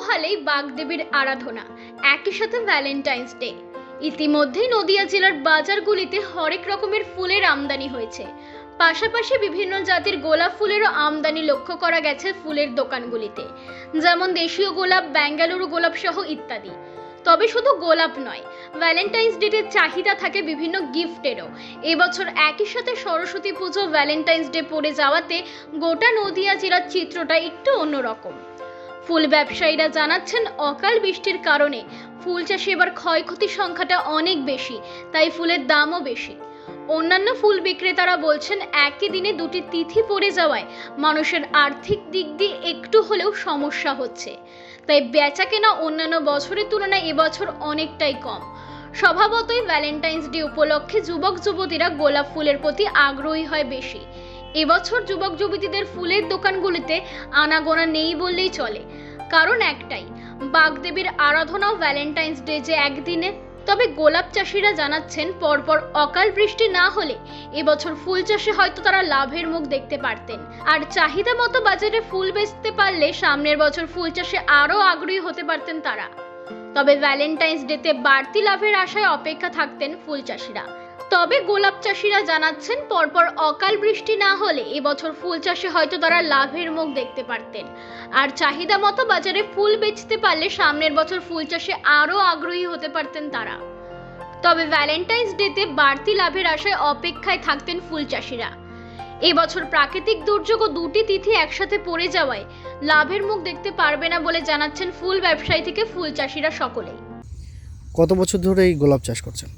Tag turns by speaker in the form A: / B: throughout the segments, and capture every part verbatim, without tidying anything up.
A: পোহালেই বাগদেবীর আরাধনা, একই সাথে ভ্যালেন্টাইন্স ডে। ইতিমধ্যেই নদিয়া জেলার বাজারগুলিতে হরেক রকমের ফুলের আমদানি হয়েছে। পাশাপাশি বিভিন্ন জাতের গোলাপ ফুলেরও আমদানি লক্ষ্য করা গেছে ফুলের দোকানগুলিতে, যেমন দেশীয় গোলাপ, বেঙ্গালুরু গোলাপ সহ ইত্যাদি। তবে শুধু গোলাপ নয়, ভ্যালেন্টাইন্স ডের চাহিদা থাকে বিভিন্ন গিফটেরও। এবছর একই সাথে সরস্বতী পুজো, ভ্যালেন্টাইন্স ডে পড়ে যাওয়াতে গোটা নদিয়া জেলার চিত্রটা একটু অন্যরকম। ফুল ব্যবসায়ীরা জানাচ্ছেন, অকাল বৃষ্টির কারণে ফুল চাষে এবার ক্ষয়ক্ষতির সংখ্যাটা অনেক বেশি, তাই ফুলের দামও বেশি। অন্যান্য ফুল বিক্রেতারা বলছেন, একই দিনে দুটি তিথি পড়ে যাওয়ায় মানুষের আর্থিক দিক দিয়ে একটু হলেও সমস্যা হচ্ছে, তাই বেচা কেনা অন্যান্য বছরের তুলনায় এবছর অনেকটাই কম। স্বভাবতই ভ্যালেন্টাইন্স ডে উপলক্ষে যুবক যুবতীরা গোলাপ ফুলের প্রতি আগ্রহী হয় বেশি। এবছর যুবক যুবতীদের ফুলের দোকানগুলিতে আনাগোনা নেই বললেই চলে, কারণ একটাই, বাগদেবীর আরাধনা ও ভ্যালেন্টাইন্স ডে যে একদিনে। তবে গোলাপ চাষিরা জানাচ্ছেন, পরপর অকাল বৃষ্টি না হলে এবছর ফুল চাষে হয়তো তারা লাভের মুখ দেখতে পারতেন, আর চাহিদা মতো বাজারে ফুল বেচতে পারলে সামনের বছর ফুল চাষে আরও আগ্রহী হতে পারতেন তারা। তবে ভ্যালেন্টাইন্স ডেতে বাড়তি লাভের আশায় অপেক্ষা থাকতেন ফুল চাষিরা। তবে গোলাপ চাষিরা জানাচ্ছেন, পরপর অকাল বৃষ্টি না হলে এবছর ফুল চাষে হয়তো তারা লাভের মুখ দেখতে পারতেন, আর চাহিদা মতো বাজারে ফুল বেচতে পারলে সামনের বছর ফুল চাষে আরও আগ্রহী হতে পারতেন তারা। তবে ভ্যালেন্টাইন্স ডেতে বাড়তি লাভের আশায় অপেক্ষায় থাকতেন ফুল চাষিরা। এবছর প্রাকৃতিক দুর্যোগ ও দুটি তিথি একসাথে পড়ে যাওয়ায় লাভের মুখ দেখতে পারবে না বলে জানাচ্ছেন ফুল ব্যবসায়ী থেকে ফুল চাষিরা সকলেই।
B: কত বছর ধরে এই গোলাপ চাষ করছেন?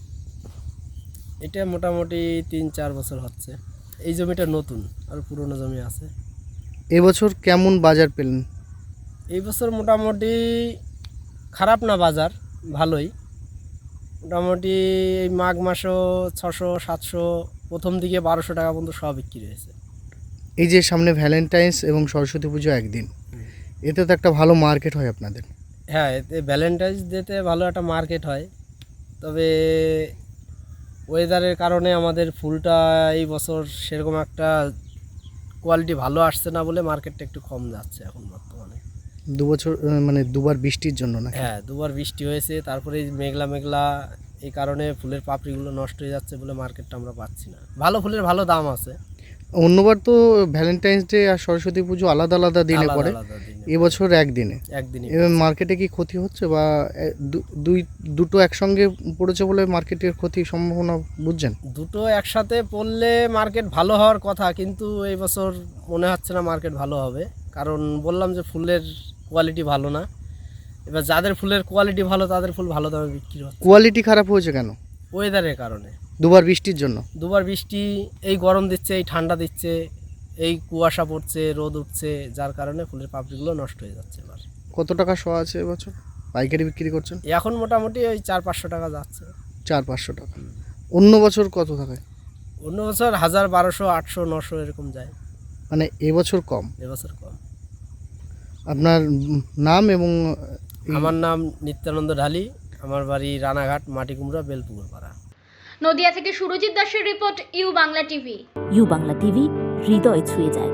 C: এটা মোটামুটি তিন চার বছর হচ্ছে। এই জমিটা নতুন, আর পুরনো জমি আছে।
B: এবছর কেমন বাজার পেলেন?
C: এই বছর মোটামুটি খারাপ না, বাজার ভালোই। মোটামুটি এই মাঘ মাসও ছশো সাতশো, প্রথম দিকে বারোশো টাকা পর্যন্ত সব বিক্রি হয়েছে।
B: এই যে সামনে ভ্যালেন্টাইন্স এবং সরস্বতী পুজো একদিন, এতে তো একটা ভালো মার্কেট হয় আপনাদের।
C: হ্যাঁ, এতে ভ্যালেন্টাইন্স ডেতে ভালো একটা মার্কেট হয়, তবে ওয়েদারের কারণে আমাদের ফুলটা এই বছর সেরকম একটা কোয়ালিটি ভালো আসছে না বলে মার্কেটটা একটু কম যাচ্ছে এখন বর্তমানে।
B: দু বছর মানে দুবার বৃষ্টির জন্য না?
C: হ্যাঁ, দুবার বৃষ্টি হয়েছে, তারপরে এই মেঘলা মেঘলা, এই কারণে ফুলের পাপড়িগুলো নষ্ট হয়ে যাচ্ছে বলে মার্কেটটা আমরা পাচ্ছি না। ভালো ফুলের ভালো দাম আছে।
B: অন্যবার তো ভ্যালেন্টাইন্স ডে আর সরস্বতী পুজো আলাদা আলাদা দিনে
C: আলাদা
B: পড়ে,
C: আলাদা দিনে।
B: এবছর একদিনে।
C: একদিনই
B: এবার মার্কেটে কি ক্ষতি হচ্ছে, বা এ- দু- দুই দুটো একসঙ্গে পড়েছে বলে মার্কেটের ক্ষতির সম্ভাবনা বুঝছেন?
C: দুটো একসাথে পড়লে মার্কেট ভালো হওয়ার কথা, কিন্তু এই বছর মনে হচ্ছে না মার্কেট ভালো হবে। কারণ বললাম যে ফুলের কোয়ালিটি ভালো না। এবার যাদের ফুলের কোয়ালিটি ভালো তাদের ফুল ভালো দামে বিক্রি হচ্ছে।
B: কোয়ালিটি খারাপ হয়েছে কেন?
C: ওয়েদারের কারণে।
B: দুবার বৃষ্টির জন্য?
C: দুবার বৃষ্টি, এই গরম দিচ্ছে, এই ঠান্ডা দিচ্ছে, এই কুয়াশা পড়ছে, রোদ উঠছে, যার কারণে ফুলের পাপড়িগুলো নষ্ট হয়ে যাচ্ছে। এবার
B: কত টাকা শো আছে এবছর পাইকারি বিক্রি করছেন?
C: এখন মোটামুটি ওই চার পাঁচশো টাকা যাচ্ছে।
B: চার পাঁচশো টাকা। অন্য বছর কত থাকে?
C: অন্য বছর হাজার, বারোশো, আটশো, নশো এরকম যায়।
B: মানে এবছর কম।
C: এবছর কম।
B: আপনার নাম এবং এই-
C: আমার নাম নিত্যানন্দ ঢালি, আমার বাড়ি রানাঘাট, মাটিকুমড়া, বেলপুকুর পাড়া।
A: নদিয়া থেকে সুরজিৎ দাসের report, U Bangla TV.
D: U Bangla TV, হৃদয় ছুঁয়ে যায়।